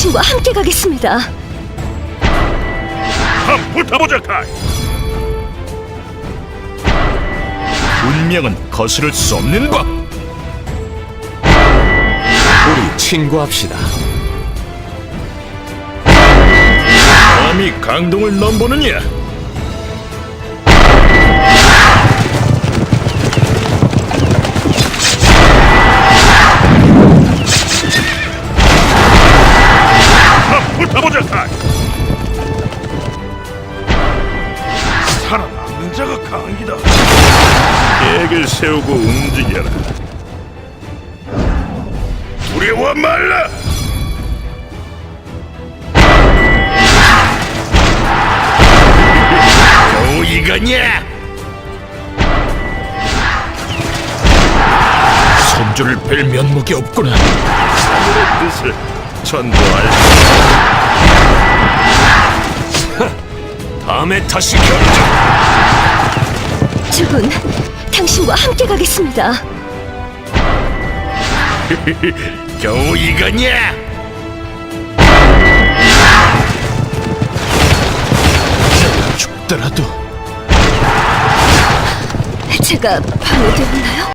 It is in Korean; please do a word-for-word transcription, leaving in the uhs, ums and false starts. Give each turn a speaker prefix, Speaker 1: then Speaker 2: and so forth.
Speaker 1: 당신과 함께 가겠습니다.
Speaker 2: 한번 붙어보자, 카이. 운명은 거스를 수 없는 법.
Speaker 3: 우리 친구합시다.
Speaker 2: 감히 강동을 넘보느냐? 한번 붙어보자, 카이. 살아남는 자가 강이다. 계획을 세우고 움직여라. 두려워 말라. 겨우 이거냐? 손주를 뵐 면목이 없구나. 하늘의 뜻을 전도할. 다음에 다시 결정.
Speaker 1: 주군, 당신과 함께 가겠습니다.
Speaker 2: 겨우 이거냐? 내가 죽더라도
Speaker 1: 제가 방해되었나요?